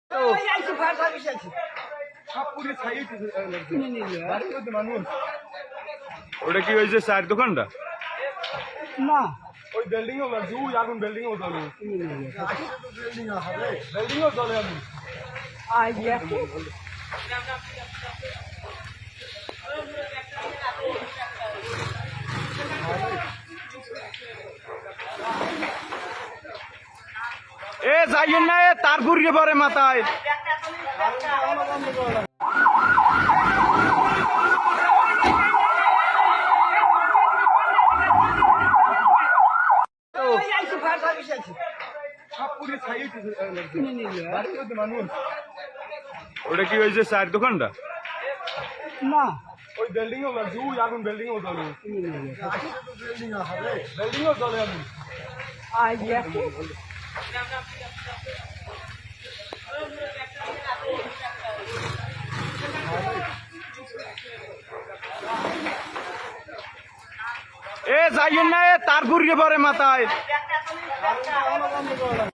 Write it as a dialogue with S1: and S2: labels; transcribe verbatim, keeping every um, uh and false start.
S1: ওটা কি হয়েছে চায়ের দোকানটা?
S2: না
S1: ওই বিল্ডিং এও লাগছে, ওই আগুন বিল্ডিং এও জ্বলে। বিল্ডিং এও জ্বলে আগুন। এ যাইয়েন না, এ তার ঘুরিয়ে পড়ে মাথায়। ওটা কি হয়েছে চায়ের দোকানটা?
S2: না
S1: ওই বিল্ডিং এও লাগছে, ওই আগুন বিল্ডিং এও জ্বলে। বিল্ডিং এও জ্বলে আগুন। এ যাইয়েন না, এ তার ঘুরিয়ে পড়ে মাথায়।